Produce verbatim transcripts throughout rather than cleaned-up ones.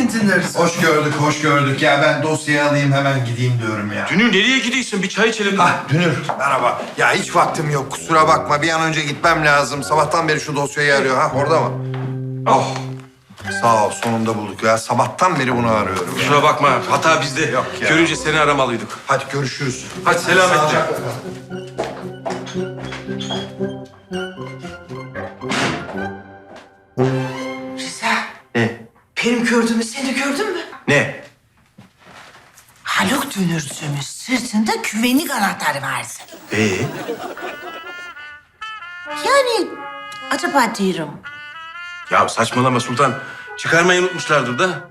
geldiniz. Hoş gördük, hoş gördük. Ya ben dosyayı alayım hemen gideyim diyorum ya. Dünür nereye gidiyorsun? Bir çay içelim. Ah Dünür, merhaba. Ya hiç vaktim yok, kusura bakma. Bir an önce gitmem lazım. Sabahtan beri şu dosyayı arıyor. Ha orada mı? Oh, sağ ol. Sonunda bulduk ya. Sabahtan beri bunu arıyorum ya. Kusura bakma. Hata bizde. Yok ya. Görünce seni aramalıydık. Hadi görüşürüz. Hadi selametle. Sağlıcakla kal. Rıza, Ne? benim gördüğümü sen de gördün mü? Ne? Haluk dönürcümüz sırtında güvenlik anahtarı vardı. Ee? Yani acaba diyorum. Ya saçmalama Sultan. Çıkarmayı unutmuşlardır da.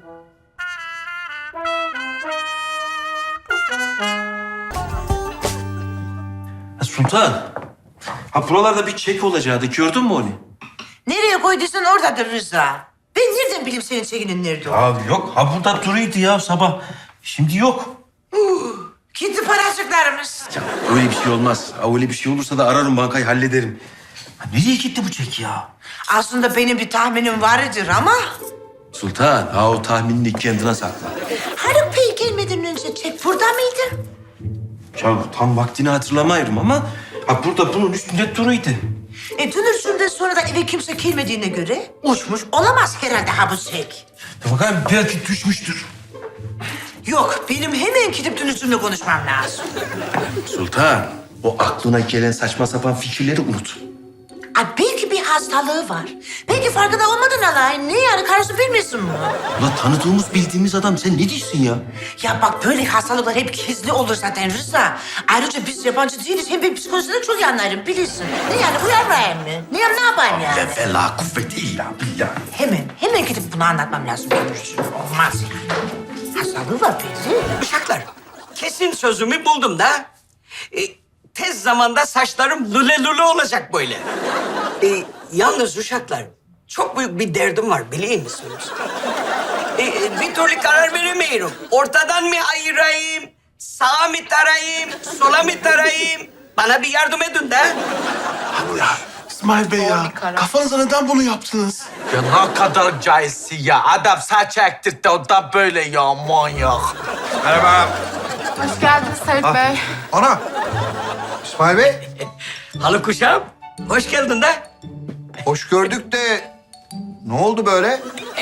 Ha, Sultan. Ha buralarda bir çek olacaktı. Gördün mü onu? Nereye koyduysan oradadır Rıza. Ben nereden bileyim senin çekinin nerede o? Ya yok. Ha burada duruyordu ya sabah. Şimdi yok. Gitti paracıklarımız. Ya öyle bir şey olmaz. Ha, öyle bir şey olursa da ararım bankayı hallederim. Ha, nereye gitti bu çek ya? Aslında benim bir tahminim vardır ama... Sultan, ha o tahminini kendine sakla. Haluk Bey gelmeden önce çek burada mıydı? Ya tam vaktini hatırlamayırım ama ha burada bunun üstünde duruyordu. E dönüşümden sonra da eve kimse gelmediğine göre uçmuş olamaz herhalde ha bu çek. Ya bakalım belki düşmüştür. Yok, benim hemen gidip dönüşümle konuşmam lazım. Sultan, o aklına gelen saçma sapan fikirleri unut. Ay belki bir hastalığı var. Belki farkında olmadan alay. Ne yani karısı bilmesin mi? Ulan tanıdığımız bildiğimiz adam sen ne diyorsun ya? Ya bak böyle hastalıklar hep gizli olur zaten Rıza. Ayrıca biz yabancı değiliz. Hem ben psikolojiden çok iyi anlarım bilirsin. Ne yani uyarmayayım mı? Ne, yap- ne yapayım yani? La fela kuvveti illa billah. Hemen, hemen gidip bunu anlatmam lazım. Olmaz yani. Hastalığı var belli. Uşaklar, kesin sözümü buldum da. E, tez zamanda saçlarım lüle lüle olacak böyle. E, yalnız uşaklar, çok büyük bir derdim var biliyor musunuz? E, e, bir türlü karar veremiyorum. Ortadan mı ayırayım, sağa mı tarayayım, sola mı tarayayım? Bana bir yardım edin de. Ya İsmail Bey ya, kafanıza neden bunu yaptınız? Ya ne kadar cahilsin ya. Adam saç ektirdi ondan böyle ya manyak. Merhaba. Hoş geldiniz Haluk Bey. Ana. İsmail Bey, Haluk uşağım, hoş geldin de. hoş gördük de ne oldu böyle?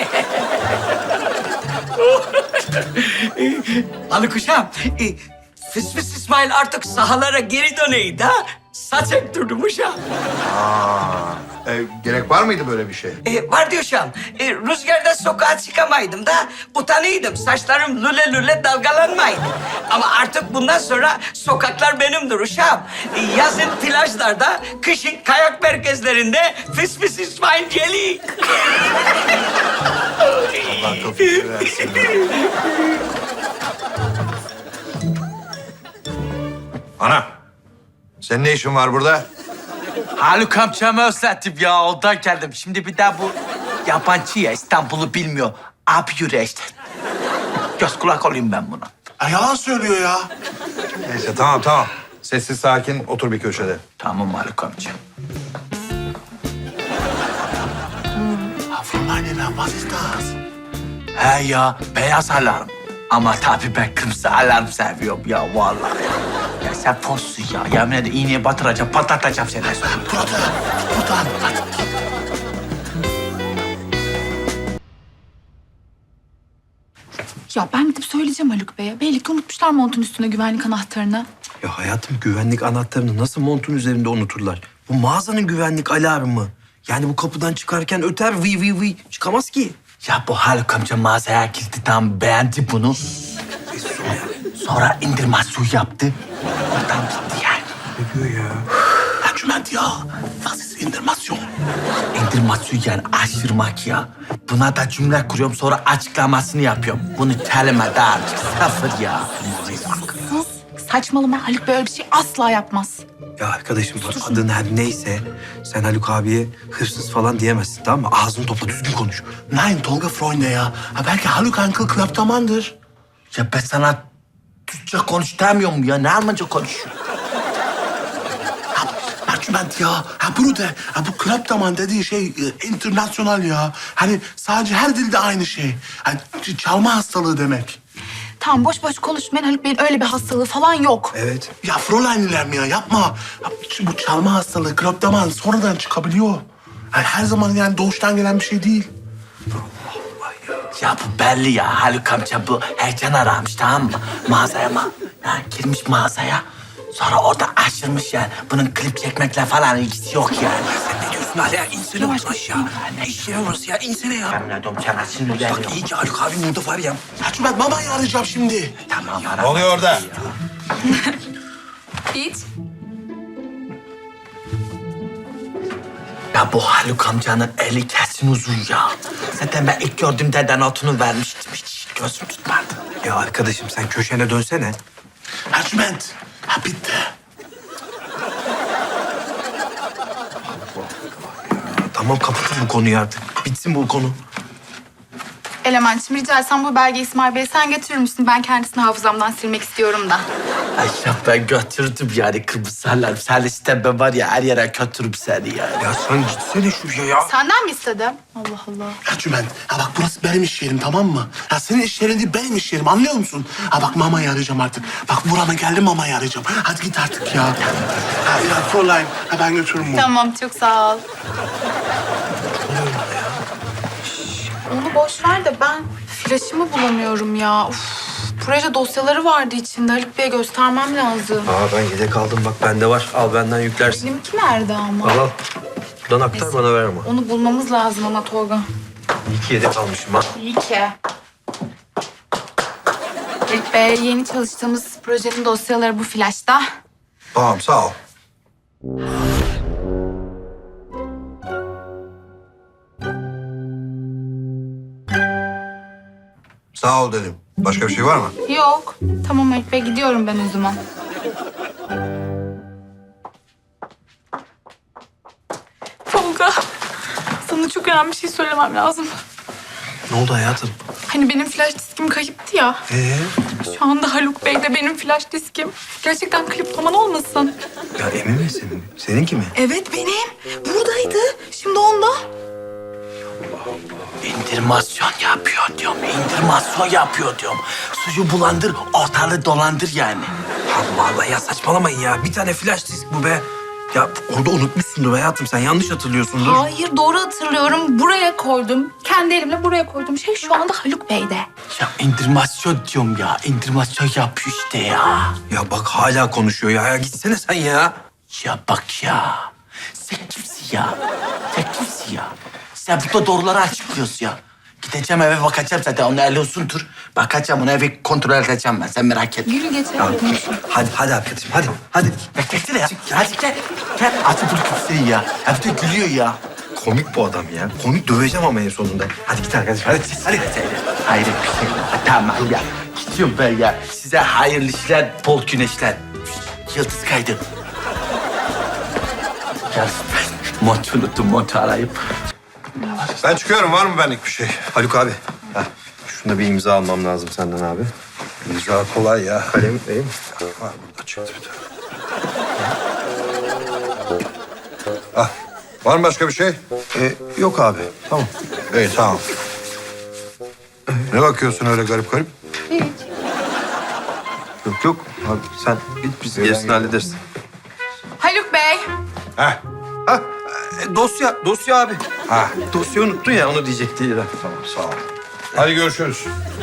Haluk uşağım, e, Fıs Fıs İsmail artık sahalara geri döneydi ha. Saç ektirdim uşağım. Aa, e, gerek var mıydı böyle bir şey? E, var diyor şu an. E, rüzgarda sokağa çıkamaydım da utanıyordum. Saçlarım lüle lüle dalgalanmaydı. Ama artık bundan sonra sokaklar benimdir uşağım. E, yazın plajlarda, kışın kayak merkezlerinde fıs fıs İsmail Celi. Allah topuk versin. Ana, senin ne işin var burada? Haluk amcamı özledim ya ondan geldim. Şimdi bir daha bu yabancı ya İstanbul'u bilmiyor. Abi yürü işte. Göz kulak olayım ben buna. Ya yalan söylüyor ya. Neyse tamam tamam. Sessiz sakin otur bir köşede. Tamam Haluk amca. Ha Fräulein, was ist das? He ya beyaz alarm. Ama tabii ben kırmızı alarm seviyorum ya vallahi. Ya sen fossun ya. Yemin ederim iğneye batıracağım, patlatacağım seni. Burada, buradan. Hadi. Ya ben gidip söyleyeceğim Haluk Bey'e. Belli ki unutmuşlar montun üstüne güvenlik anahtarını. Ya hayatım güvenlik anahtarını nasıl montun üzerinde unuturlar? Bu mağazanın güvenlik alarmı. Yani bu kapıdan çıkarken öter vi vi vi çıkamaz ki. Ya bu Haluk amca mağazaya girdi tam beğendi bunu. Sonra indirmasyon yaptı. Oradan gitti yani. Ne diyor ya? Ercüment ya, was ist Indermasyon? İndirmasyon yani aşırmak ya. Buna da cümle kuruyorum sonra açıklamasını yapıyorum. Bunu kelime daha artık sıfır ya. Sus. Saçmalama. Haluk Bey öyle bir şey asla yapmaz. Ya arkadaşım bak adın her neyse sen Haluk abiye hırsız falan diyemezsin tamam mı? Ağzını topla düzgün konuş. Nein, Tolga Freunde ya. Ha belki Haluk Uncle Klaptaman'dır. Ya ben sana Türkçe konuş demiyorum ya. Ne Almanca konuşuyor? Ercüment ya. Ha bunu de. Ha bu kleptoman dediği şey e, internasyonal ya. Hani sadece her dilde aynı şey. Hani ç- çalma hastalığı demek. Tamam boş boş konuşmayın. Haluk Bey'in öyle bir hastalığı falan yok. Evet. Ya Fräulein'ler mi ya? Yapma. Ha, ç- bu çalma hastalığı, kleptoman sonradan çıkabiliyor. Yani her zaman yani doğuştan gelen bir şey değil. Ya bu belli ya. Haluk amca bu heyecan aramış tamam mı? Mağazaya mı? Yani girmiş mağazaya. Sonra orada aşırmış yani. Bunun klip çekmekle falan ilgisi yok yani. Sen ne diyorsun hala? İnsene Yavaş ya. Ne işe yarıyoruz ya? İnsene ya. Ben ne diyorum sana sinirleniyorum. Bak iyi ki Haluk abim burada var ya. Ercüment mamayı arayacağım şimdi. Tamam Ne ara. oluyor orada? Hiç. Ya bu Haluk amcanın eli kesin uzun ya. Zaten ben ilk gördüğümde de notunu vermiştim. Hiç gözüm tutmadı. Ya arkadaşım sen köşene dönsene. Ercüment. Ha bitti. Tamam kapatın bu konuyu artık. Bitsin bu konu. Elementçim rica etsem bu belgeyi İsmail Bey'e sen getirir misin? Ben kendisini hafızamdan silmek istiyorum da. Ay ya ben götürdüm yani kırmızılar. Sen istemem var ya her yere götürürüm seni ya. Ya sen gitsene şuraya ya. Senden mi istedim? Allah Allah. Ercüment, ha bak burası benim iş yerim tamam mı? Ya senin iş yerin değil benim iş yerim anlıyor musun? Ha bak mamayı arayacağım artık. Bak burama geldi mamayı arayacağım. Hadi git artık ya. Ha ya Fräulein, ha ben götürürüm bunu. Tamam çok sağ ol. Onu boş ver de ben flaşımı bulamıyorum ya. Uf, proje dosyaları vardı içinde. Haluk Bey'e göstermem lazım. Aa ben yedek aldım bak bende var. Al benden yüklersin. Benimki nerede ama? Al al. Buradan aktar bana ver ama. Onu bulmamız lazım ama Tolga. İyi ki yedek almışım ha. İyi ki. Haluk Bey yeni çalıştığımız projenin dosyaları bu flaşta. Tamam sağ ol. Sağ ol dedim. Başka bir şey var mı? Yok. Tamam Haluk Bey gidiyorum ben o zaman. Tolga, sana çok önemli bir şey söylemem lazım. Ne oldu hayatım? Hani benim flash diskim kayıptı ya. Ee? Şu anda Haluk Bey de benim flash diskim. Gerçekten kliptoman olmasın. Ya emin misin? Seninki mi? Evet benim. Buradaydı. Şimdi onda. İndirmasyon yapıyor diyorum. İndirmasyon yapıyor diyorum. Suyu bulandır, ortalığı dolandır yani. Allah Allah ya saçmalamayın ya. Bir tane flash disk bu be. Ya orada unutmuşsundur hayatım. Sen yanlış hatırlıyorsundur. Hayır doğru hatırlıyorum. Buraya koydum. Kendi elimle buraya koydum. Şey şu anda Haluk Bey'de. Ya indirmasyon diyorum ya. İndirmasyon yapıyor işte ya. Ya bak hala konuşuyor ya. Ya gitsene sen ya. Ya bak ya. Sen kimsin ya? Sen kimsin ya? Sen burada doğruları açıklıyorsun ya. Gideceğim eve bakacağım zaten. Onu eli uzundur. Bakacağım onu evi kontrol edeceğim ben. Sen merak etme. Yürü geçelim. Hadi hadi arkadaşım hadi. Hadi. Beklesene ya. Hadi gel. Gel. Hadi bunu kimsin ya? Hep de gülüyor ya. Komik bu adam ya. Komik döveceğim ama en sonunda. Hadi git arkadaşım hadi. Hadi. Hayret bir şey. Ha, tamam ya. Gidiyorum ben ya. Size hayırlı işler, bol güneşler. Yıldız kaydı. Gel ben montu unuttum, montu arayıp. Ben çıkıyorum. Var mı benlik bir şey? Haluk abi. Heh, şunda bir imza almam lazım senden abi. İmza kolay ya. Kalem değil mi? Var burada çıktı bir tane. Ah, var mı başka bir şey? Ee, yok abi. Tamam. İyi tamam. Ne bakıyorsun öyle garip garip? Yok yok. Abi sen git biz gerisini hallederiz. Haluk Bey. Heh. Ha e, dosya. Dosya abi. Ha. Dosyayı unuttun ya onu diyecekti. Tamam sağ ol. Hadi görüşürüz.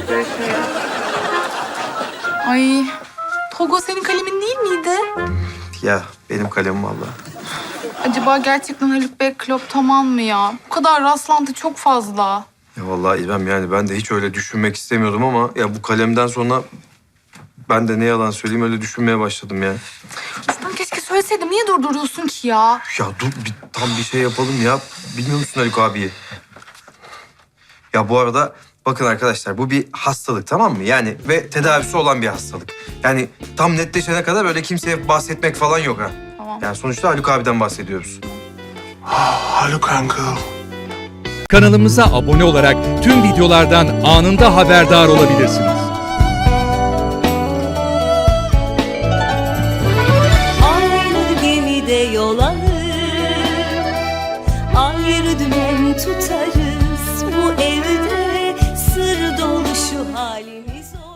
Ay. Tolga senin kalemin değil miydi? Ya benim kalemim vallahi. Acaba gerçekten Haluk Bey kloptoman mı ya? Bu kadar rastlantı çok fazla. Ya vallahi İrem yani ben de hiç öyle düşünmek istemiyordum ama ya bu kalemden sonra ben de ne yalan söyleyeyim öyle düşünmeye başladım ya. Aslında keşke söyleseydim. Niye durduruyorsun ki ya? Ya dur bir, tam bir şey yapalım ya. Bilmiyor musun Haluk abiyi? Ya bu arada bakın arkadaşlar bu bir hastalık tamam mı? Yani ve tedavisi olan bir hastalık. Yani tam netleşene kadar öyle kimseye bahsetmek falan yok ha. Tamam. Yani sonuçta Haluk abiden bahsediyoruz. Haluk Uncle. Kanalımıza abone olarak tüm videolardan anında haberdar olabilirsiniz. Aynı gemide yol alır zor.